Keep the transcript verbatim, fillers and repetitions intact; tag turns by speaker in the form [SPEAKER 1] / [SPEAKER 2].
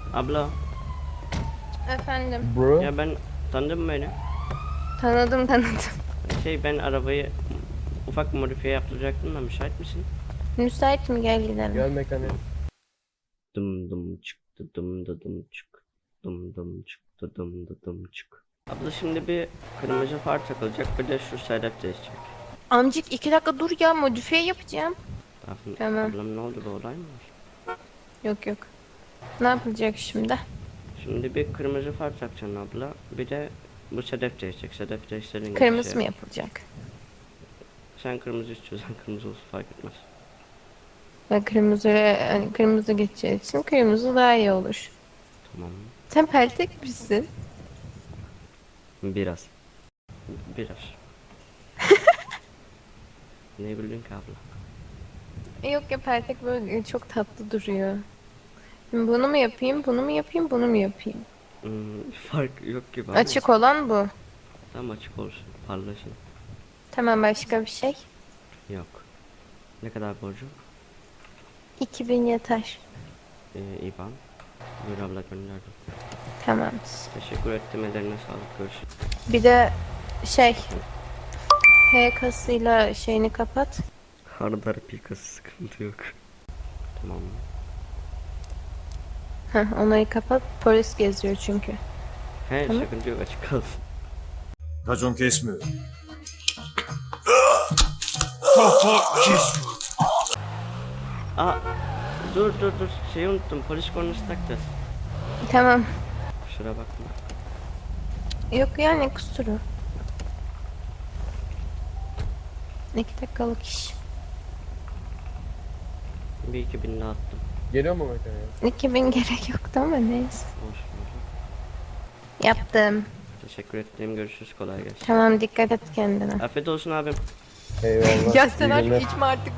[SPEAKER 1] Abla
[SPEAKER 2] Efendim.
[SPEAKER 3] Bro.
[SPEAKER 1] ya ben tanıdın mı beni?
[SPEAKER 2] Tanıdım tanıdım.
[SPEAKER 1] Şey ben arabayı ufak modifiye yaptıracaktım da müsait misin?
[SPEAKER 2] Müsait mi, gel gidelim.
[SPEAKER 3] Gel mekanik.
[SPEAKER 1] Dım dım çıktı dım dı dım çık. Dım dım çıktı dım dı dım çık. Abla şimdi bir kırmızı far takılacak, bir de şu sedef değişecek.
[SPEAKER 2] Amcık iki dakika dur ya, modifiye yapacağım.
[SPEAKER 1] Ablam,
[SPEAKER 2] Tamam.
[SPEAKER 1] ablam ne oldu, bir olay mı var?
[SPEAKER 2] Yok yok. Ne yapılacak şimdi?
[SPEAKER 1] Şimdi bir kırmızı far takacaksın abla, bir de bu sedef değişecek. Sedef değiştirin gibi
[SPEAKER 2] Kırmızı
[SPEAKER 1] şey
[SPEAKER 2] mı
[SPEAKER 1] yap.
[SPEAKER 2] yapılacak?
[SPEAKER 1] Sen kırmızı istiyorsan kırmızı olsun, fark etmez.
[SPEAKER 2] Ben kırmızı, hani kırmızı geçeceği için kırmızı daha iyi olur.
[SPEAKER 1] Tamam.
[SPEAKER 2] Sen peltek misin?
[SPEAKER 1] Biraz. Biraz. Ne bildin ki abla?
[SPEAKER 2] E, Yok ya, peltek böyle çok tatlı duruyor. Şimdi bunu mu yapayım, bunu mu yapayım, bunu mu yapayım?
[SPEAKER 1] Hmm, fark yok gibi ama.
[SPEAKER 2] Açık olan bu.
[SPEAKER 1] Tam açık olsun, parlasın.
[SPEAKER 2] Tamam, başka bir şey.
[SPEAKER 1] Yok. Ne kadar borcu?
[SPEAKER 2] iki bin yeter.
[SPEAKER 1] Ee, İban. Buyur abla, gönderdim.
[SPEAKER 2] Tamamdır.
[SPEAKER 1] Teşekkür ettim, ellerine sağlık, görüşürüz.
[SPEAKER 2] Bir de şey, H kasıyla şeyini kapat.
[SPEAKER 1] Hardar pikası, sıkıntı yok. Tamam.
[SPEAKER 2] Heh, onayı kapat. Polis geziyor çünkü.
[SPEAKER 1] He,
[SPEAKER 2] Tamam.
[SPEAKER 1] sıkıntı yok, açık kalsın.
[SPEAKER 4] Racon kesmiyor.
[SPEAKER 1] Aa, dur dur dur, şeyi unuttum, polis kornası takacağız.
[SPEAKER 2] Tamam.
[SPEAKER 1] Kusura bakma.
[SPEAKER 2] Yok ya, ne kusuru. İki dakikalık iş.
[SPEAKER 1] Bir iki bin daha attım.
[SPEAKER 3] Geliyor mu mekanik?
[SPEAKER 2] iki bin gerek yoktu ama neyse.
[SPEAKER 1] Olsun olsun.
[SPEAKER 2] Yaptım.
[SPEAKER 1] Teşekkür ettim, görüşürüz, kolay gelsin.
[SPEAKER 2] Tamam, dikkat et kendine.
[SPEAKER 1] Afiyet olsun abim.
[SPEAKER 3] Eyvallah.
[SPEAKER 2] Ya sen
[SPEAKER 3] İyi
[SPEAKER 2] artık
[SPEAKER 3] günler.
[SPEAKER 2] içme artık.